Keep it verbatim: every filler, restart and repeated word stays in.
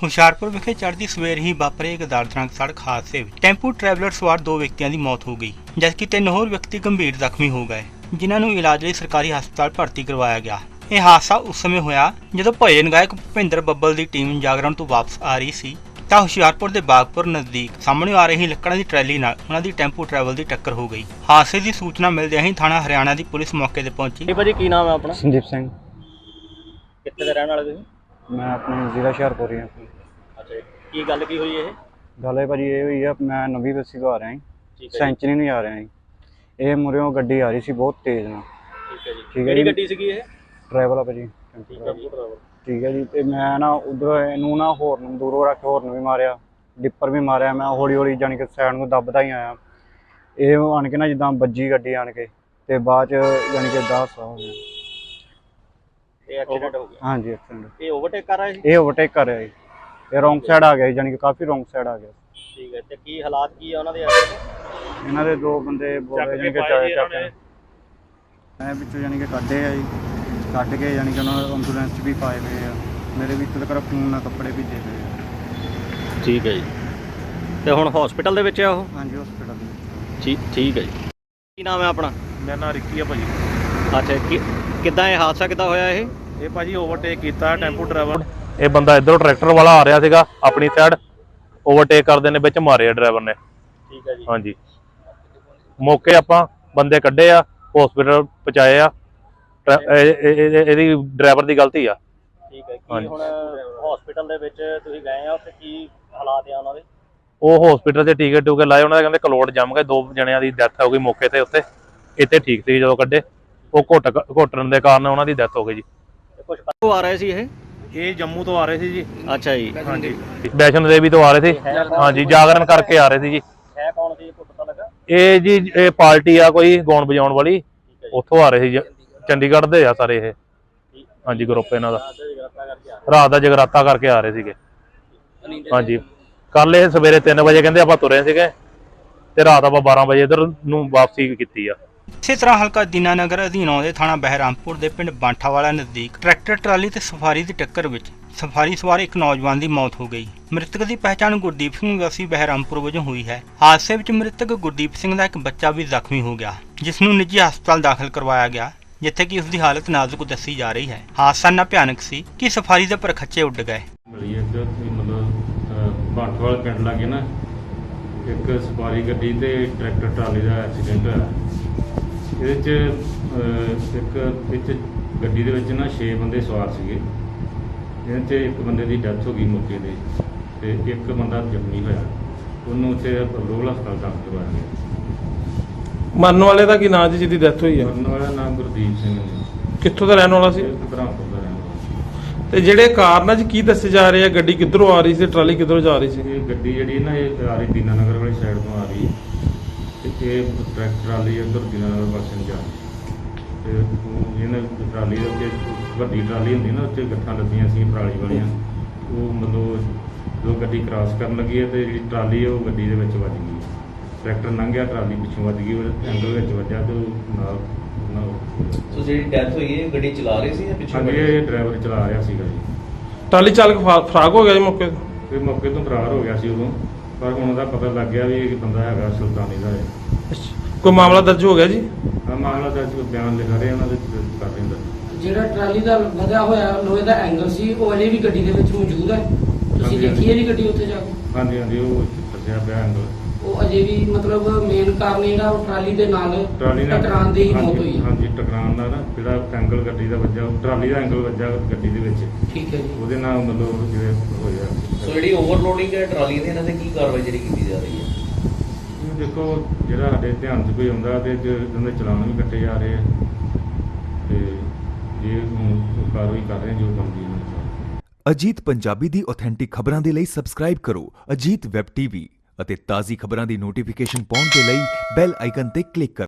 ਹੁਸ਼ਿਆਰਪੁਰ ਵਿਖੇ ਚੜ੍ਹਦੀ ਸਵੇਰ ਹੀ ਵਾਪਰੇ ਇੱਕ ਦਰਦਨਾਕ ਸੜਕ ਹਾਦਸੇ ਵਿੱਚ ਟੈਂਪੂ ਟਰੈਵਲਰ ਸਵਾਰ ਦੋ ਵਿਅਕਤੀਆਂ ਦੀ ਮੌਤ ਹੋ ਗਈ, ਜਦਕਿ ਤਿੰਨ ਹੋਰ ਵਿਅਕਤੀ ਗੰਭੀਰ ਜ਼ਖਮੀ ਹੋ ਗਏ, ਜਿਨ੍ਹਾਂ ਨੂੰ ਇਲਾਜ ਲਈ ਸਰਕਾਰੀ ਹਸਪਤਾਲ ਭਰਤੀ ਕਰਵਾਇਆ ਗਿਆ। ਇਹ ਹਾਦਸਾ ਉਸ ਸਮੇਂ ਹੋਇਆ ਜਦੋਂ ਭਜਨ ਗਾਇਕ ਭੁਪਿੰਦਰ ਬੱਬਲ ਦੀ ਟੀਮ ਜਾਗਰਣ ਤੋਂ ਵਾਪਸ ਆ ਰਹੀ ਸੀ ਤਾਂ ਹੁਸ਼ਿਆਰਪੁਰ ਦੇ ਬਾਗਪੁਰ ਨਜ਼ਦੀਕ ਸਾਹਮਣੇ ਆ ਰਹੀ ਲੱਕੜਾਂ ਦੀ ਟਰੈਲੀ ਨਾਲ ਉਹਨਾਂ ਦੀ ਟੈਂਪੂ ਟਰੈਵਲ ਦੀ ਟੱਕਰ ਹੋ ਗਈ। ਹਾਦਸੇ ਦੀ ਸੂਚਨਾ ਮਿਲਦਿਆਂ ਹੀ ਥਾਣਾ ਹਰਿਆਣਾ ਦੀ ਪੁਲਿਸ ਮੌਕੇ ਤੇ ਪਹੁੰਚੀ। ਜੀ ਭਾਜੀ ਕੀ ਨਾਮ ਹੈ ਆਪਣਾ? ਸੰਦੀਪ ਸਿੰਘ। ਕਿੱਥੇ ਦੇ ਰਹਿਣ ਵਾਲੇ ਤੁਸੀਂ? ਮੈਂ ਆਪਣੇ ਜ਼ਿਲ੍ਹਾ ਹੁਸ਼ਿਆਰਪੁਰ ਹਾਂ। ਅੱਛਾ ਜੀ, ਕੀ ਗੱਲ ਕੀ ਹੋਈ ਇਹ? ਗੱਲ ਹੈ ਭਾਜੀ ਇਹ ਹੋਈ ਆ, ਮੈਂ ਨਵੀਂ ਬੱਸੀ ਤੋਂ ਆ ਰਿਹਾ ਜੀ, ਸੈਂਚਰੀ ਨੂੰ ਜਾ ਰਿਹਾ ਜੀ। ਇਹ ਮੁਰਿਓਂ ਗੱਡੀ ਆ ਰਹੀ ਸੀ ਬਹੁਤ ਤੇਜ਼ ਨਾਲ। ਠੀਕ ਹੈ ਜੀ, ਠੀਕ ਹੈ ਕਿਹੜੀ ਜੀ। ਗੱਡੀ ਸੀਗੀ ਇਹ? ਡਰਾਈਵਰ ਆ ਭਾਜੀ। ਠੀਕ ਹੈ ਜੀ, ਡਰਾਈਵਰ। ਠੀਕ ਹੈ ਜੀ। ਤੇ ਮੈਂ ਨਾ ਉਧਰੋਂ ਇਹਨੂੰ ਨਾ ਹੋਰਨ ਦੂਰੋਂ ਰੱਖ ਕੇ ਹੋਰਨ ਵੀ ਮਾਰਿਆ, ਡਿੱਪਰ ਵੀ ਮਾਰਿਆ। ਮੈਂ ਹੌਲੀ ਹੌਲੀ ਜਾਣੀ ਕਿ ਸਾਈਡ ਨੂੰ ਦੱਬਦਾ ਹੀ ਆਇਆ। ਇਹ ਆਣ ਕੇ ਨਾ ਜਿੱਦਾਂ ਵੱਜੀ ਗੱਡੀ ਆਣ ਕੇ ਤੇ ਬਾਅਦ ਚ ਜਾਣੀ ਕਿ ਦਸ ਹੋ ਗਿਆ। ਇਹ ਐਕਸੀਡੈਂਟ ਹੋ ਗਿਆ? ਹਾਂਜੀ, ਐਕਸੀਡੈਂਟ। ਇਹ ਓਵਰਟੇਕ ਕਰ ਰਿਹਾ ਸੀ? ਇਹ ਓਵਰਟੇਕ ਕਰ ਰਿਹਾ ਜੀ। ਇਹ ਰੋਂਗ ਸਾਈਡ ਆ ਗਿਆ ਜੀ, ਜਾਣੀ ਕਿ ਕਾਫੀ ਰੋਂਗ ਸਾਈਡ ਆ ਗਿਆ। ਠੀਕ ਹੈ, ਤੇ ਕੀ ਹਾਲਾਤ ਕੀ ਆ ਉਹਨਾਂ ਦੇ? ਇਹਨਾਂ ਦੇ ਦੋ ਬੰਦੇ ਬੋਲੇ ਜਾਣੀ ਕਿ ਚਾਰੇ ਚੱਕ ਮੈਂ ਵਿੱਚੋਂ ਜਾਣੀ ਕਿ ਕੱਢੇ ਆ ਜੀ, ਕੱਢ ਕੇ ਜਾਣੀ ਕਿ ਉਹਨਾਂ ਨੂੰ ਐਂਬੂਲੈਂਸ 'ਚ ਵੀ ਪਾਏ ਹੋਏ ਆ। ਮੇਰੇ ਵਿੱਚ ਤੱਕ ਖੂਨ ਨਾਲ ਕੱਪੜੇ ਭਿੱਜੇ ਹੋਏ ਆ। ਠੀਕ ਹੈ ਜੀ, ਤੇ ਹੁਣ ਹਸਪੀਟਲ ਦੇ ਵਿੱਚ ਆ ਉਹ? ਹਾਂਜੀ, ਹਸਪੀਟਲ ਦੇ ਵਿੱਚ। ਠੀਕ ਠੀਕ ਹੈ ਜੀ। ਕੀ ਨਾਮ ਹੈ ਆਪਣਾ? ਮੇਰਾ ਨਾਮ ਰਿੱਕੀ ਆ ਭਾਜੀ। ਅੱਛਾ, ਕਿ ਕਿੱਦਾਂ ਇਹ ਹਾਦਸਾ ਕਿੱਦਾਂ ਹੋਇਆ ਇਹ? ਇਹ ਭਾਜੀ ਓਵਰਟੇਕ ਕੀਤਾ ਟੈਂਪੂ ਡਰਾਈਵਰ। ਇਹ ਬੰਦਾ ਇੱਧਰੋਂ ਟਰੈਕਟਰ ਵਾਲਾ ਆ ਰਿਹਾ ਸੀਗਾ ਆਪਣੀ ਸਾਈਡ, ਓਵਰਟੇਕ ਕਰਦੇ ਨੇ ਵਿੱਚ ਮਾਰਿਆ ਡਰਾਈਵਰ ਨੇ। ਠੀਕ ਹੈ ਜੀ। ਹਾਂਜੀ, ਮੌਕੇ ਆਪਾਂ ਬੰਦੇ ਕੱਢੇ ਆ, ਹਸਪੀਟਲ ਪਹੁੰਚਾਏ ਆ। ਇਹਦੀ ਡਰਾਈਵਰ ਦੀ ਗਲਤੀ ਆ। ਠੀਕ ਹੈ, ਕੀ ਹੁਣ ਹਸਪੀਟਲ ਦੇ ਵਿੱਚ ਤੁਸੀਂ ਗਏ ਆ, ਉੱਥੇ ਕੀ ਹਾਲਾਤ ਆ ਉਹਨਾਂ ਦੇ? ਉਹ ਹਸਪੀਟਲ 'ਚ ਟੀਕੇ ਟੂਕੇ ਲਾਏ, ਉਹਨਾਂ ਦੇ ਕਹਿੰਦੇ ਕਲੋਟ ਜੰਮ ਗਏ, ਦੋ ਜਣਿਆਂ ਦੀ ਡੈਥ ਹੋ ਗਈ ਮੌਕੇ ਤੇ ਉੱਥੇ। ਇੱਥੇ ਠੀਕ ਸੀ ਜਦੋਂ ਕੱਢੇ, ਉਹ ਘੁੱਟ ਘੁੱਟਣ ਦੇ ਕਾਰਨ ਉਹਨਾਂ ਦੀ ਡੈਥ ਹੋ ਗਈ ਜੀ। ਕੁਝ ਕਦੋਂ ਆ ਰਹੇ ਸੀ ਇਹ? ਇਹ ਜੰਮੂ ਤੋਂ ਆ ਰਹੇ ਸੀ ਜੀ। ਅੱਛਾ ਜੀ। ਹਾਂਜੀ, ਵੈਸ਼ਨੋ ਦੇਵੀ ਤੋਂ ਆ ਰਹੇ ਸੀ। ਹਾਂਜੀ, ਜਾਗਰਣ ਕਰਕੇ ਆ ਰਹੇ ਸੀ ਜੀ। ਹੈ ਕੌਣ ਸੀ, ਕੋਈ ਪਤਾ ਲੱਗਾ? ਇਹ ਜੀ ਇਹ ਪਾਰਟੀ ਆ ਕੋਈ ਗਾਉਣ ਵਜਾਉਣ ਵਾਲੀ, ਉੱਥੋਂ ਆ ਰਹੇ ਸੀ। ਚੰਡੀਗੜ੍ਹ ਦੇ ਆ ਸਾਰੇ ਇਹ। ਹਾਂਜੀ, ਗਰੁੱਪ ਇਹਨਾਂ ਦਾ ਰਾਤ ਦਾ ਜਗਰਾਤਾ ਕਰਕੇ ਆ ਰਹੇ ਸੀਗੇ। ਹਾਂਜੀ, ਕੱਲ ਇਹ ਸਵੇਰੇ ਤਿੰਨ ਵਜੇ ਕਹਿੰਦੇ ਆਪਾਂ ਤੁਰੇ ਸੀਗੇ ਤੇ ਰਾਤ ਆਪਾਂ ਬਾਰਾਂ ਵਜੇ ਇੱਧਰ ਨੂੰ ਵਾਪਸੀ ਕੀਤੀ ਆ। ਇਸੇ ਤਰ੍ਹਾਂ ਹਲਕਾ ਦੀਨਾਨਗਰ ਅਧੀਨ ਆਉਂਦੇ ਥਾਣਾ ਬਹਿਰਾਮਪੁਰ ਦੇ ਪਿੰਡ ਬਾਂਠਾਵਾਲਾ ਨਜ਼ਦੀਕ ਟਰੈਕਟਰ ਟਰਾਲੀ ਤੇ ਸਫਾਰੀ ਦੀ ਟੱਕਰ ਵਿੱਚ ਸਫਾਰੀ ਸਵਾਰ ਇੱਕ ਨੌਜਵਾਨ ਦੀ ਮੌਤ ਹੋ ਗਈ। ਮ੍ਰਿਤਕ ਦੀ ਪਹਿਚਾਣ ਗੁਰਦੀਪ ਸਿੰਘ ਵਾਸੀ ਬਹਿਰਾਮਪੁਰ ਵਜੋਂ ਹੋਈ ਹੈ। ਹਾਦਸੇ ਵਿੱਚ ਮ੍ਰਿਤਕ ਗੁਰਦੀਪ ਸਿੰਘ ਦਾ ਇੱਕ ਬੱਚਾ ਵੀ ਜ਼ਖਮੀ ਹੋ ਗਿਆ, ਜਿਸ ਨੂੰ ਨਿੱਜੀ ਹਸਪਤਾਲ ਦਾਖਲ ਕਰਵਾਇਆ ਗਿਆ, ਜਿੱਥੇ ਕਿ ਉਸ ਦੀ ਹਾਲਤ ਨਾਜ਼ੁਕ ਦੱਸੀ ਜਾ ਰਹੀ ਹੈ। ਹਾਦਸਾ ਇੰਨਾ ਭਿਆਨਕ ਸੀ ਕਿ ਸਫਾਰੀ ਦੇ ਪਰਖੱਚੇ ਉੱਡ ਗਏ। ਮਤਲਬ ਬਾਂਠਵਾਲ ਪਿੰਡ ਲਾਗੇ ਨਾ ਇੱਕ ਸਵਾਰੀ ਗੱਡੀ ਤੇ ਟਰੈਕਟਰ ਟਰਾਲੀ ਦਾ ਐਕਸੀਡੈਂਟ ਹੋਇਆ। ਇਹਦੇ 'ਚ ਇੱਕ ਵਿੱਚ ਗੱਡੀ ਦੇ ਵਿੱਚ ਨਾ ਛੇ ਬੰਦੇ ਸਵਾਰ ਸੀਗੇ, ਜਿਹਨਾਂ 'ਚ ਇੱਕ ਬੰਦੇ ਦੀ ਡੈਥ ਹੋ ਗਈ ਮੌਕੇ 'ਤੇ ਤੇ ਇੱਕ ਬੰਦਾ ਜ਼ਖਮੀ ਹੋਇਆ। ਉਹਨੂੰ ਉੱਥੇ ਰੋਲ ਹਸਪਤਾਲ ਦਾਖਲ ਕਰਵਾਇਆ ਗਿਆ। ਮਰਨ ਵਾਲੇ ਦਾ ਕੀ ਨਾਂ ਜੀ ਜਿਹਦੀ ਡੈਥ ਹੋਈ ਆ? ਮਰਨ ਵਾਲਾ ਨਾਮ ਗੁਰਦੀਪ ਸਿੰਘ ਨੇ। ਕਿੱਥੋਂ ਦਾ ਰਹਿਣ ਵਾਲਾ ਸੀ? ਬ੍ਰਹਮਪੁਰ ਦਾ ਰਹਿਣ ਵਾਲਾ। ਤੇ ਜਿਹੜੇ ਕਾਰਨ ਅੱਜ ਕੀ ਦੱਸੇ ਜਾ ਰਹੇ ਆ, ਗੱਡੀ ਕਿੱਧਰੋਂ ਆ ਰਹੀ ਸੀ, ਟਰਾਲੀ ਕਿੱਧਰੋਂ ਜਾ ਰਹੀ ਸੀ? ਇਹ ਗੱਡੀ ਜਿਹੜੀ ਨਾ ਇਹ ਆ ਰਹੀ ਦੀਨਾਨਗਰ ਵਾਲੀ ਸਾਈਡ ਤੋਂ ਆ ਰਹੀ ਤੇ ਇਹ ਟਰੈਕਟਰ ਟਰਾਲੀ ਇੱਧਰ ਦੀਨਾਨਗਰ ਪਾਸੇ ਨੂੰ ਜਾ ਰਹੀ ਤੇ ਇਹਨਾਂ ਟਰਾਲੀ ਦੇ ਉੱਤੇ ਵੱਡੀ ਟਰਾਲੀ ਹੁੰਦੀ ਨਾ, ਉੱਤੇ ਗੱਠਾਂ ਲੱਗੀਆਂ ਸੀ ਪਰਾਲੀ ਵਾਲੀਆਂ। ਉਹ ਮਤਲਬ ਜਦੋਂ ਗੱਡੀ ਕ੍ਰਾਸ ਕਰਨ ਲੱਗੀ ਹੈ ਤੇ ਜਿਹੜੀ ਟਰਾਲੀ ਉਹ ਗੱਡੀ ਦੇ ਵਿੱਚ ਵੱਜ ਗਈ। ਟਰੈਕਟਰ ਲੰਘਿਆ, ਟਰਾਲੀ ਪਿੱਛੋਂ ਵੱਜ ਗਈ, ਉਹ ਐਂਗਲ ਵਿੱਚ ਵੱਜਿਆ ਤੇ ਉਹ ਨਾਲ ਸੋ ਜਿਹੜੀ ਡੈਥ ਹੋਈ ਹੈ ਗੱਡੀ ਚਲਾ ਰਹੀ ਸੀ ਜਾਂ ਪਿੱਛੋਂ? ਹਾਂਜੀ, ਇਹ ਡਰਾਈਵਰ ਚਲਾ ਰਿਹਾ ਸੀਗਾ ਜੀ। ਟਰਾਲੀ ਚਾਲਕ ਫਰਾਗ ਹੋ ਗਿਆ ਜੀ ਮੌਕੇ ਤੇ? ਤੇ ਮੌਕੇ ਤੋਂ ਫਰਾਰ ਹੋ ਗਿਆ ਸੀ ਉਦੋਂ, ਪਰ ਹੁਣ ਉਹਦਾ ਪਤਾ ਲੱਗ ਗਿਆ ਵੀ ਇਹ ਬੰਦਾ ਹੈਗਾ ਸੁਲਤਾਨੀ ਦਾ ਹੈ। ਕੋਈ ਮਾਮਲਾ ਦਰਜ ਹੋ ਗਿਆ ਜੀ? ਹਾਂ, ਮਾਮਲਾ ਦਰਜ ਬਿਆਨ ਲਿਖਾ ਰਹੇ ਉਹਨਾਂ ਦੇ ਕਰ ਰਹੇ ਨੇ। ਜਿਹੜਾ ਟਰਾਲੀ ਦਾ ਵਧਿਆ ਹੋਇਆ ਲੋਹੇ ਦਾ ਐਂਗਲ ਸੀ ਉਹ ਅਜੇ ਵੀ ਗੱਡੀ ਦੇ ਵਿੱਚ ਮੌਜੂਦ ਹੈ? ਤੁਸੀਂ ਦੇਖੀ ਹੈ ਜੀ ਗੱਡੀ ਉੱਥੇ ਜਾ ਕੇ? ਹਾਂਜੀ ਹਾਂਜੀ, ਉਹ ਦੱਸਿਆ ਪਿਆ ਐਂਗਲ। ਉਹ ਅਜੇ ਵੀ ਮਤਲਬ ਮੇਨ ਕਾਰਨ ਜਿਹੜਾ ਉਹ ਟਰਾਲੀ ਦੇ ਨਾਲ ਟਰਾਲੀ ਨਾਲ ਟਕਰਾਉਣ ਦੀ ਹੀ ਮੌਤ ਹੋਈ ਹੈ? ਹਾਂਜੀ, ਟਕਰਾਉਣ ਦਾ ਨਾ ਜਿਹੜਾ ਐਂਗਲ ਗੱਡੀ ਦਾ ਵੱਜਾ, ਟਰਾਲੀ ਦਾ ਐਂਗਲ ਵੱਜਾ ਗੱਡੀ ਦੇ ਵਿੱਚ, ਠੀਕ ਹੈ ਜੀ। ਉਹਦੇ ਨਾਲ ਮਤਲਬ ਜਿਵੇਂ ਹੋਇਆ। ਸੋ ਜਿਹੜੀ ਓਵਰਲੋਡਿੰਗ ਹੈ ਟਰਾਲੀ ਦੀ, ਇਹਨਾਂ ਤੇ ਕੀ ਕਾਰਵਾਈ ਜਿਹੜੀ ਕੀਤੀ ਜਾ ਰਹੀ ਹੈ? ਇਹ ਦੇਖੋ, ਜਿਹੜਾ ਸਾਡੇ ਧਿਆਨ 'ਚ ਕੋਈ ਆਉਂਦਾ ਤੇ ਉਹਦੇ ਚਲਾਨ ਵੀ ਕੱਟੇ ਜਾ ਰਹੇ ਆ ਤੇ ਜੇ ਹੁਣ ਕਾਰਵਾਈ ਕਰ ਰਹੇ ਜੋ ਬਣਦੀ ਹੈ। ਅਜੀਤ ਪੰਜਾਬੀ ਦੀ ਆਥੈਂਟਿਕ ਖਬਰਾਂ ਦੇ ਲਈ ਸਬਸਕ੍ਰਾਈਬ ਕਰੋ ਅਜੀਤ ਵੈਬ ਟੀਵੀ ਅਤੇ ਤਾਜ਼ੀ ਖਬਰਾਂ ਦੀ ਨੋਟੀਫਿਕੇਸ਼ਨ ਪਾਉਣ ਦੇ ਲਈ ਬੈਲ ਆਈਕਨ ਤੇ ਕਲਿੱਕ ਕਰੋ।